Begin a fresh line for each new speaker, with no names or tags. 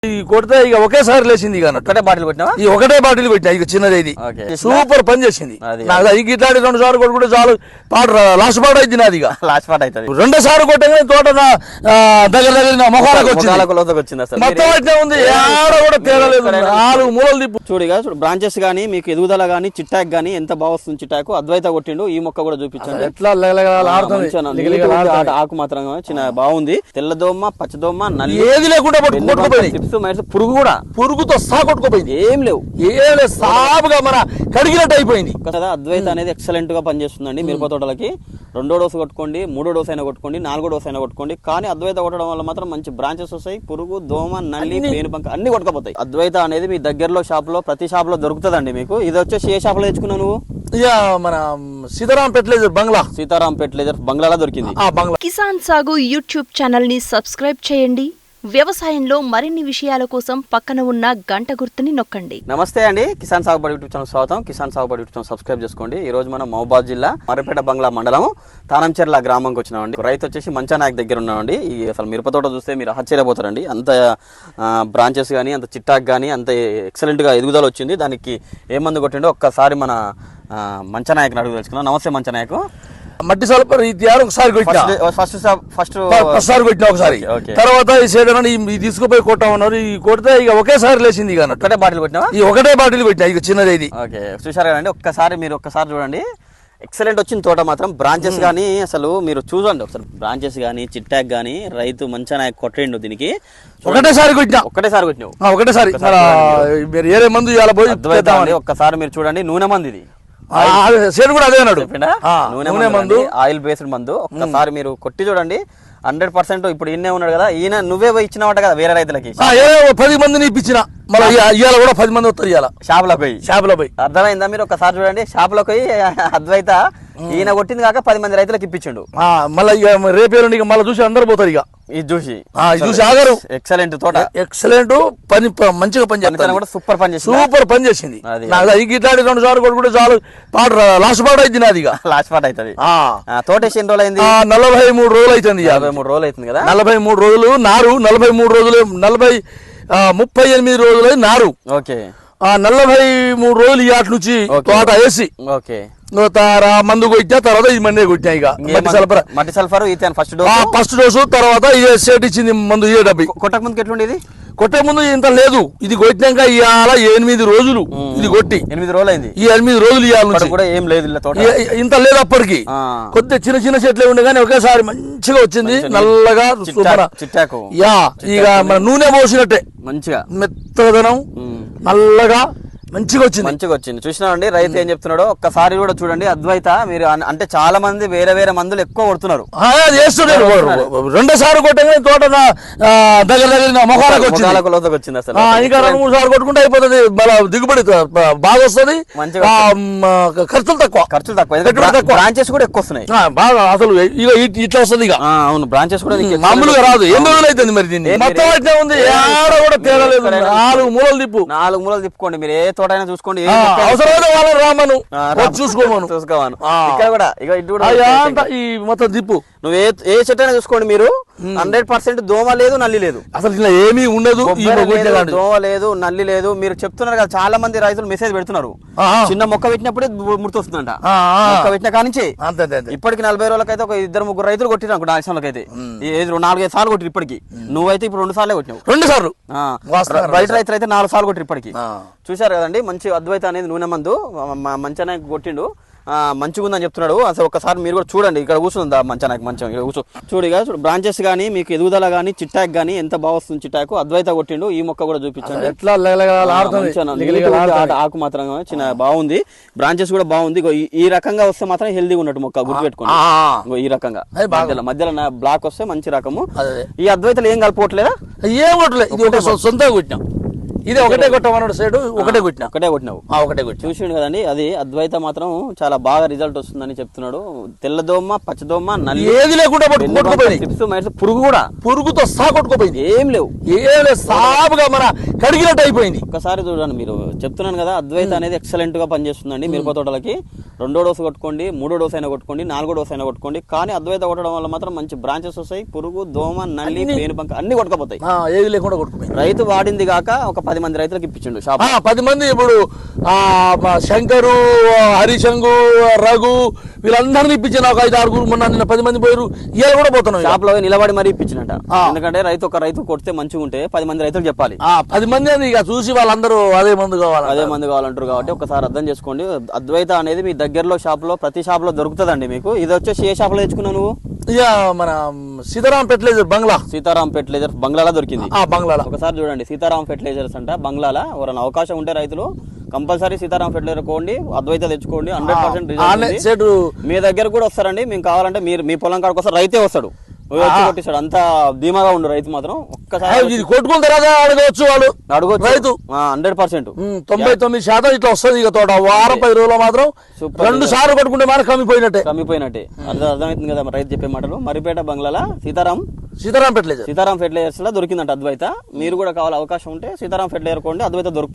కొడితే ఇక ఒకేసారి లేచింది ఇక
ఒకటే బాటిల్ కొట్టినా
ఈ ఒకటే బాటిల్ కొట్టినా ఇక చిన్నది ఇది సూపర్ పని చేసింది. నాకు ఇది ఇట్లాంటి 2 సార్లు కొట్టుకుంటే చాలు పాట లాస్ట్ పాట అయింది నాది. ఇక
లాస్ట్ పాట అవుతుంది.
2 సార్లు కొట్టగానే తోట దగ్గర నా మొహాలకు
వచ్చింది.
మొత్తం అయితే ఉంది, ఆడ కూడా తేడా లేదు. 4 మూలలు తిప్పు
చూడిగా బ్రాంచెస్ గానీ మీకు ఎదుగుదల గానీ చిట్టాక్ గానీ ఎంత బాగా వస్తుంది. చిట్టాకు అద్వైత కొట్టిండు. ఈ మొక్క కూడా చూపించండి
ఎట్లా
ఆకు మాత్రం చిన్న బాగుంది. తెల్లదోమ పచ్చదోమ నల్లి
ఏది లేకుండా
పురుగు కూడా
పురుగుతో సహా కొట్టుకోపోయింది.
ఏం లేవు
సాపుగా మన కడిగినట్టు అయిపోయింది
కదా. అద్వైత అనేది ఎక్సలెంట్ గా పనిచేస్తుందండి మిరప తోటలకి. 2వ డోసు కొట్టుకోండి, 3వ డోసు అయినా కొట్టుకోండి, 4వ డోసు అయినా కొట్టుకోండి. కానీ అద్వైత కొట్టడం వల్ల మాత్రం మంచి బ్రాంచెస్ వస్తాయి. పురుగు దోమ నల్లి పేనుబంక అన్ని కొట్టుకోపోతాయి. అద్వైత అనేది మీ దగ్గరలో షాప్ లో ప్రతి షాప్ లో దొరుకుతుందండి మీకు. ఇది వచ్చేసి ఏ షాప్ లో తెచ్చుకున్నావు నువ్వు?
ఇక మన సీతారాం ఫెర్టిలైజర్
బంగ్లాలో దొరికింది.
కిసాన్ సాగు యూట్యూబ్ ఛానల్ ని సబ్స్క్రైబ్ చేయండి. వ్యవసాయంలో మరిన్ని విషయాల కోసం పక్కన ఉన్న గంట గుర్తుని నొక్కండి.
నమస్తే అండి, కిసాన్ సాగుబడి యూట్యూబ్ ఛానల్ స్వాగతం. కిసాన్ సాగుబడి యూట్యూబ్ ఛానల్ సబ్స్క్రైబ్ చేసుకోండి. ఈ రోజు మనం మహబూబాబాద్ జిల్లా మర్రిపేట బంగ్లా మండలం తానంచెర్ల గ్రామంకి వచ్చినామండి. రైతు వచ్చేసి మంచానాయక్ దగ్గర ఉన్నామండి. ఈ అసలు మిరపతోట చూస్తే మీరు ఆశ్చర్యపోతారండి. అంత బ్రాంచెస్ కానీ అంత చిట్టాక్ కానీ అంత ఎక్సలెంట్ గా ఎదుగుదల వచ్చింది. దానికి ఏ మందు కొట్టిండో ఒక్కసారి మన మంచానాయక్ అడుగు తెలుసుకున్నాం. నమస్తే మంచానాయక్.
మట్టి సల్పర్ ఒకసారి కొట్టిన ఒకసారి తర్వాత ఈ సైడ్ తీసుకుపోయి కొట్టామన్నారు. ఈ కొడితే ఇక ఒకేసారి లేచింది. ఇక
ఒకటే బాటిల్ కొట్టినా
ఈ ఒకటే బాటిల్ కొట్టినా ఇక చిన్నది ఇది.
చూసారు కదండి, మీరు ఒక్కసారి చూడండి. ఎక్సలెంట్ వచ్చింది తోట మాత్రం. బ్రాంచెస్ గానీ అసలు మీరు చూడండి ఒకసారి. బ్రాంచెస్ గానీ చిట్టాక్ గానీ రైతు మంచిగా కొట్టిండు. దీనికి
ఒకటేసారి కొట్టినావు ఒకటేసారి ఏరే మందు ఇలా పోయి
ఒక్కసారి మీరు చూడండి. నూనె మంది ఇది
కూడా అదే అన్నాడు.
నూనె మందు ఆయిల్ బేస్డ్ మందు. ఒక్కసారి మీరు కొట్టి చూడండి. 100% ఇప్పుడు ఈయనే ఉన్నాడు కదా, ఈయన నువ్వే పోయి ఇచ్చినవాట కదా వేరే రైతులకి.
10 మందిని ఇప్పించిన మళ్ళీ ఇవాళ కూడా 10 మంది వస్తారు. ఇవాళ షాప్ లో పోయి
అర్థమైందా? మీరు ఒకసారి చూడండి. షాప్ లోకి పోయి అద్వైత ఈయన కొట్టింది కాక 10 మంది రైతులకు ఇప్పించిండు.
మళ్ళీ రేపే మళ్ళీ చూసి అందరు పోతారు. ఇక
ఇది చూసి
ఆగారు.
ఎక్సలెంట్ తోట,
ఎక్సలెంట్ పని, మంచిగా పని చేస్తాను కూడా.
సూపర్ పని చేసింది.
ఇట్లాంటి 2 సార్లు కొట్టుకుంటే చాలు పాట లాస్ట్ పాట అయింది నాది.
లాస్ట్ పాట అవుతుంది. తోట ఎన్ని రోజులు అయింది?
43 రోజులు అవుతుంది.
43 రోజులు అవుతుంది కదా.
43 రోజులు నారు, 43 రోజులు 38 రోజులు నారు.
ఓకే.
43 రోజులు ఇవాటి నుంచి తోట వేసి మందు కొట్టినా తర్వాత ఇది మందే కొట్టినా. ఇక
మట్టి సల్ఫర్
ఫస్ట్ డోసు తర్వాత సెట్ ఇచ్చింది మందు.
కొట్టక ముందుకు ఎట్లుండేది?
కొట్టే ముందు ఇంత లేదు. ఇది కొట్టినాక ఇవాళ 8 రోజులు ఇది కొట్టి
8 రోజులు అయింది.
ఈ 8 రోజులు ఇవాళ
కూడా ఏం లేదు
ఇంత లేదు. అప్పటికి కొద్దిగా చిన్న చెట్లే ఉండే కానీ ఒకేసారి మంచిగా వచ్చింది. నల్లగా
చిట్టాకు.
ఇక మన నూనె పోసినట్టే
మంచిగా
మెత్తదనం నల్లగా మంచిగా వచ్చింది.
చూసినామండి రైతు ఏం చెప్తున్నాడో ఒక్కసారి కూడా చూడండి. అద్వైత మీరు అంటే చాలా మంది వేరే మందులు ఎక్కువ కొడుతున్నారు.
2 సార్లు కొట్టగానే తోట దగ్గర మొహాలకు వచ్చింది. అసలు ఇంకా 2-3 సార్లు కొట్టుకుంటే అయిపోతుంది. దిగుబడి బాగా వస్తుంది. ఖర్చులు తక్కువ
బ్రాంచెస్ కూడా ఎక్కువ వస్తున్నాయి
బాగా. అసలు ఇట్లా వస్తుంది. ఇక
అవును, బ్రాంచెస్ కూడా
మామూలుగా రాదు. 8 రోజులు అవుతుంది. మరి దీన్ని మొత్తం ఉంది. ఆడ కూడా తేడా లేదు. 4
మూలలు తిప్పుకోండి. మీరు ఏ తోట అయినా చూసుకోండి.
అవసరమైన వాళ్ళని రామను చూసుకోమను.
ఇక్కడ కూడా
ఈ మొత్తం దిప్పు
నువ్వు ఏ చెట్టు అయినా చూసుకోండి. మీరు 100% దోమ లేదు, నల్లి లేదు.
అసలు ఇలా ఏమీ ఉండదు.
దోమ లేదు, నల్లి లేదు. మీరు చెప్తున్నారు కదా, చాలా మంది రైతులు మెసేజ్ పెడుతున్నారు. చిన్న మొక్క పెట్టినప్పుడే ముర్తొస్తుందంట. మొక్క పెట్టిన కానించి ఇప్పటికి 40 రోజులకైతే ఒక 2-3 రైతులు కొట్టిరు అనుకో. నాశనంలోకైతే 4-5 సార్లు కొట్టిరు ఇప్పటికి. నువ్వైతే ఇప్పుడు 2 సార్లే కొట్టినావు.
2 సార్లు
రైతులు అయితే 4 సార్లు కొట్టిరు ఇప్పటికి. చూశారు కదండి, మంచి అద్వైత అనేది నూనె మందు మంచిగానే కొట్టిండు. మంచిగా ఉందని చెప్తున్నాడు. అసలు ఒకసారి మీరు కూడా చూడండి. ఇక్కడ కూర్చుందా మంచానికి మంచం చూడిగా బ్రాంచెస్ గానీ మీకు ఎదుగుదల గానీ చిట్టాక్ గానీ ఎంత బాగా వస్తుంది. చిట్టాకు అద్వైత కొట్టిండు. ఈ మొక్క కూడా చూపించండి.
ఎట్లా
ఆకు మాత్రం చిన్న బాగుంది. బ్రాంచెస్ కూడా బాగుంది. ఈ రకంగా వస్తే మాత్రం హెల్దీగా ఉన్నట్టు మొక్క గుర్తుపెట్టుకోండి. ఈ రకంగా మధ్యలో బ్లాక్ వస్తే మంచి రకము. ఈ అద్వైతలు ఏం కలుపుకోవట్లేదా?
ఏం కొట్టలేదు, సొంతంగా కొట్టినాం. ఇది ఒకటే కొట్టమన్నాడు. సైడ్ ఒకటే కొట్టినావు.
చూసిండు కదండి. అది అద్వైత మాత్రం చాలా బాగా రిజల్ట్ వస్తుందని చెప్తున్నాడు. తెల్లదోమ పచ్చదోమ నల్లి
ఏది లేకుండా
పురుగు కూడా
పురుగుతో సహా కొట్టుకోపోయింది.
ఏం లేవు
సాపుగా మన కడిగినట్టు అయిపోయింది.
ఒకసారి చూడండి. మీరు చెప్తున్నాను కదా, అద్వైత అనేది ఎక్సలెంట్ గా పనిచేస్తుందండి మిరప తోటలకి. రెండో డోసు కొట్టుకోండి, మూడో డోసు అయినా కొట్టుకోండి, నాలుగో డోసు అయినా కొట్టుకోండి. కానీ అద్వైత కొట్టడం వల్ల మాత్రం మంచి బ్రాంచెస్ వస్తాయి. పురుగు, దోమ, నల్లి, పేనుబంక అన్ని కొట్టుకపోతాయి.
ఏది లేకుండా కొట్టుకుపోయి
రైతు వాడింది కాక ఒక 10 మంది రైతులకు ఇప్పించిండు షాప్.
10 మంది ఇప్పుడు శంకరు, హరిశంగు, రఘు వీళ్ళందరినీ ఇప్పించిన ఒక 5-6 మొన్న నిన్న 10 మంది పోయారు. ఇవాళ కూడా పోతున్నాం
షాప్ లో నిలబడి మరీ ఇప్పించినట్ట. ఎందుకంటే ఒక రైతు కొడితే మంచిగా ఉంటే 10 మంది రైతులకు చెప్పాలి.
10 మంది అని ఇక చూసి వాళ్ళందరూ అదే మందు
కావాలంటారు. కాబట్టి ఒకసారి అర్థం చేసుకోండి. అద్వైత అనేది మీ దగ్గరలో షాప్ లో ప్రతి షాప్ లో దొరుకుతుందండి మీకు. ఇది వచ్చేసి ఏ షాప్ లో తెచ్చుకున్నావు నువ్వు?
ఇక మన సీతారాం ఫెర్టిలైజర్ బంగ్లా,
సీతారాం ఫెర్టిలైజర్ బంగ్లాలో దొరికింది.
బంగ్లాలో
ఒకసారి చూడండి, సీతారాం ఫెర్టిలైజర్స్ అంట బంగ్లాలో. ఎవరైనా అవకాశం ఉంటే రైతులు కంపల్సరీ సీతారాం ఫెర్టిలైజర్ కోండి, అద్వైత తెచ్చుకోండి. 100% రిజల్ట్. మీ దగ్గర కూడా వస్తారండి. మేము కావాలంటే మీరు మీ పొలం కాడికి వస్తారు, రైతే వస్తాడు, కొట్టిస్తాడు. అంత ధీమాగా ఉండు రైతు మాత్రం. ఒక్కసారి
కొట్టుకున్న తర్వాత అడగవచ్చు, వాళ్ళు
అడగవచ్చు రైతు. 100%
99% ఇట్లా వస్తుంది. ఇక తోట వారం 10 రోజులు మాత్రం 2 సార్లు కొట్టుకుంటే మనకు కమ్మిపోయినట్టే.
అర్థమవుతుంది కదా రైతు చెప్పే మాటలు. మరిపేట బంగ్లాల సీతారాం
ఫెర్టిలైజర్స్
లో దొరికిందంట అద్వైత. మీరు కూడా కావాలి అవకాశం ఉంటే సీతారాం ఫెర్టిలైజర్ కోండి, అద్వైత దొరుకుతుంది.